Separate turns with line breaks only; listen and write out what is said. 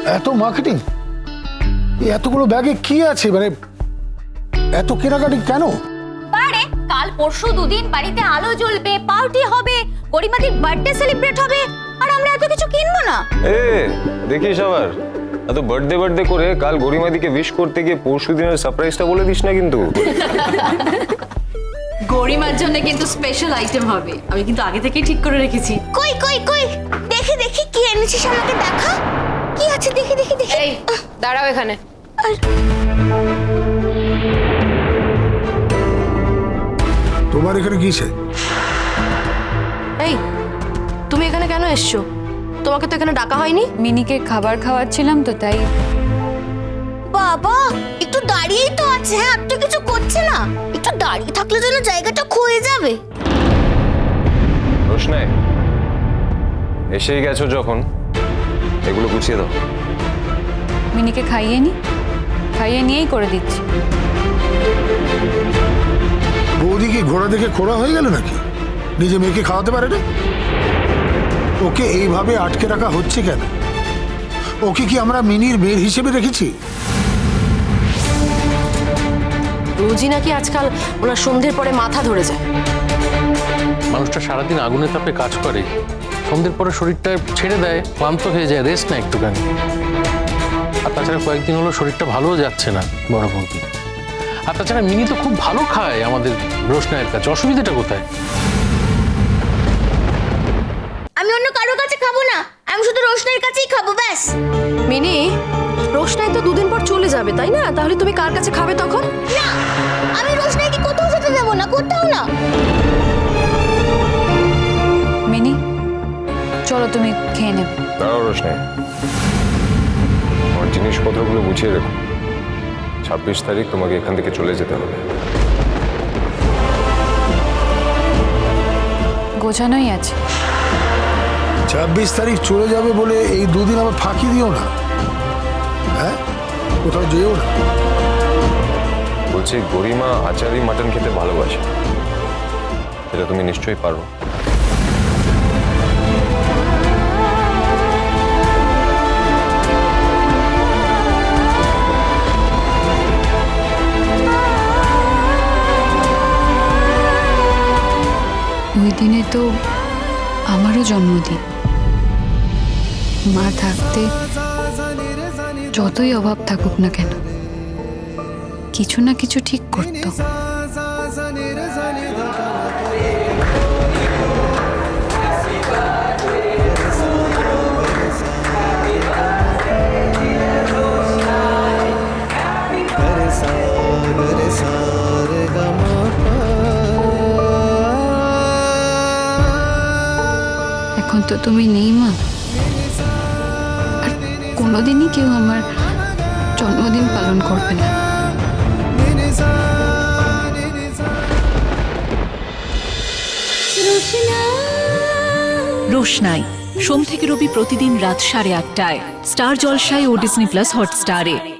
এত মার্কেটিং, এতগুলো ব্যাগে কি আছে, মানে এত কেনাকাটি কেন?
বারে কাল পরশু দুদিন বাড়িতে আলো জ্বলবে, পার্টি হবে, গরিমাদির বার্থডে সেলিব্রেট হবে, আর আমরা এত কিছু কিনবো না?
দেখিস আবার এত বার্থডে করে কাল গরিমাদিকে উইশ করতে গিয়ে পরশু দিনের সারপ্রাইজটা বলে দিস না কিন্তু।
গরিমার জন্য কিন্তু স্পেশাল আইটেম হবে, আমি কিন্তু আগে থেকেই ঠিক করে রেখেছি।
কই কই কই, দেখি দেখি কি এনেছিস, আমাকে দেখা। কি আছে দেখি দেখি দেখি।
এই দাঁড়াও এখানে।
তোমার এখানে কিসে?
এই তুমি এখানে কেন এসছো? তোমাকে তো এখানে ডাকা হয়নি।
মিনিকে খাবার খাওয়াচ্ছিলাম তো তাই।
বাবা একটু দাঁড়িয়েই তো আছে, হ্যাঁ আর তো কিছু করছে না। একটু দাঁড়িয়ে থাকলে যেন জায়গাটা ক্ষয়ে যাবে।
রোশনাই, এসেই গেছো যখন, এগুলো গুছিয়ে দাও।
মিনিকে খাইয়ে নিয়েই করে দিচ্ছি।
বৌদি কি ঘোড়া দেখে খোড়া হয়ে গেল নাকি? নিজে মেয়েকে খাওয়াতে পারে না? ওকে এইভাবে আটকে রাখা হচ্ছে কেন? ওকে কি আমরা মিনির মেয়ের হিসেবে রেখেছি?
রোজই নাকি আজকাল ওনার সন্ধ্যের পরে মাথা ধরে যায়।
মানুষটা সারাদিন আগুনে তাপে কাজ করে, সন্ধ্যের পরে শরীরটা ছেড়ে দেয়, ক্লান্ত হয়ে যায়, রেস্ট না একটুখানি। আর তাছাড়া কয়েকদিন হলো শরীরটা ভালোও যাচ্ছে না বড় বৌদি। আর তাছাড়া মিনি তো খুব ভালো খায় আমাদের রোশনাইয়ের কাছে, অসুবিধাটা কোথায়?
আমি অন্য কারোর কাছে খাবো না, আমি শুধু রোশনের কাছেই খাবো, ব্যাস।
মিনি, রোশনাই তো দুদিন পর চলে যাবে তাই না? তাহলে তুমি কার কাছে খাবে তখন?
না, আমি রোশনাইকে কোথাও যেতে দেবো না, কোথাও না।
মিনি চলো তুমি খেয়ে নেবে।
দাঁড়াও রোশনাই, আমার জিনিসপত্রগুলো গুছিয়ে রেখো। 26 তারিখ তোমাকে এখান থেকে চলে যেতে হবে।
গোছানোই আছে।
26 তারিখ চলে যাবে বলে এই দুদিন আবার ফাঁকি দিও না, হ্যাঁ? কোথাও যেও না।
বলছি গরিমা আচারি মাটন খেতে ভালোবাসে, এটা তুমি নিশ্চয়ই পারো।
ওই দিনে তো আমারও জন্মদিন। মা থাকতে যতই অভাব থাকুক না কেন, কিছু না কিছু ঠিক করতো। এখন তো তুমি নেই মা, আর কোনোদিনই কেউ আমার জন্মদিন পালন করবে না।
রোশনাই সোম থেকে রবি প্রতিদিন রাত 8:30টায় স্টার জলসায় ও ডিজনি প্লাস হটস্টারে।